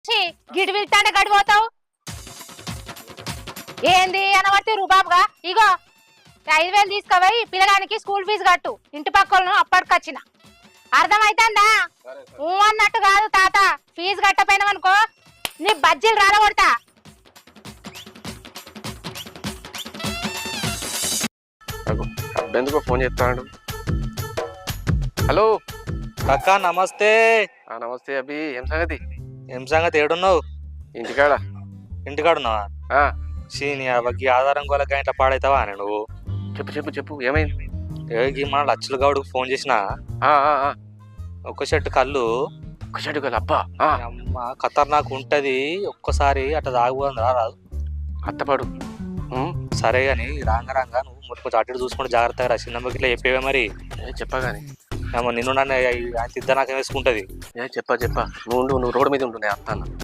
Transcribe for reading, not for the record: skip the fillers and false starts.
గిడి వెళ్తాంటే గడిపోతావు ఏంది అనబట్టి రూబాబుగా ఇగో 5,000 తీసుకుపోయి పిల్లగానికి school fee కట్టు ఇంటి పక్కలను అప్పటికొచ్చిన అర్థమైతుందా అన్నట్టు కాదు తాత ఫీజు కట్టపోయినావనుకో నీ బజ్జీలు రాలగొడతా ఎందుకో ఫోన్ చేస్తాడు. హలో అక్క నమస్తే. నమస్తే అభి, ఏం సంగతి? ఏం సంగతి ఏడున్నావు? ఇంటికాడ. ఇంటికాడ ఉన్నావా? సీని అవ్వకి ఆధారం కోలక ఇంట్లో పాడైతావా అని నువ్వు? చెప్పు చెప్పు చెప్పు, ఏమైంది? మన లచ్చలు గౌడుకు ఫోన్ చేసిన ఒక షర్ట్ కళ్ళు అబ్బా అమ్మ ఖతర్నాక్ ఉంటది, ఒక్కసారి అట్లా తాగుబోదని రారాదు. అత్తపాడు సరే గాని రాంగ నువ్వు కొంచెం అటు చూసుకుంటే జాగ్రత్తగా రా. చిన్నమ్మకి ఇట్లా చెప్పేవే మరి. చెప్పగాని నిన్ను నన్ను ఆయన ఇద్దరు నాకు వేసుకుంటది. చెప్పా నువ్వు రోడ్డు మీద ఉంటున్నాయి అత్తాను.